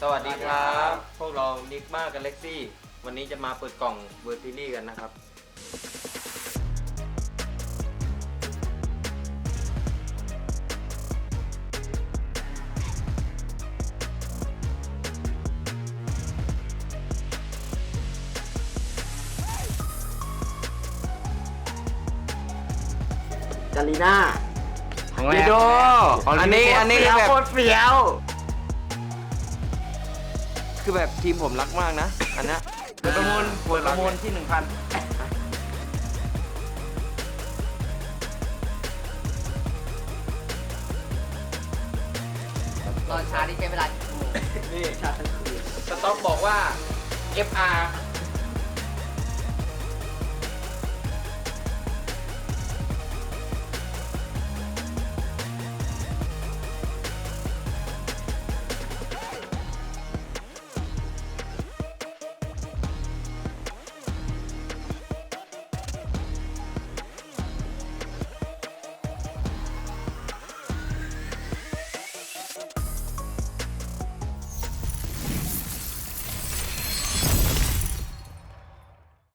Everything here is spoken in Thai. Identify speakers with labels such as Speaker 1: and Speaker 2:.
Speaker 1: วัสดีครับพวกเรานิกมากับเล็กซี่วันนี้จะมาเปิดกล่องเวอร์ติลี่กันนะครับ
Speaker 2: กาลีน่า
Speaker 1: วิดีโออันนี้คือแบบ
Speaker 2: โคตรเฟี้ยว
Speaker 1: คือแบบทีมผมรักมากนะอันนี้เปิดประมูลที่ 1,000
Speaker 3: ตอนเช้าที่ใช้เวลา
Speaker 1: นี่
Speaker 2: ชาติทั้งคืน
Speaker 1: สต็อกบอกว่า FR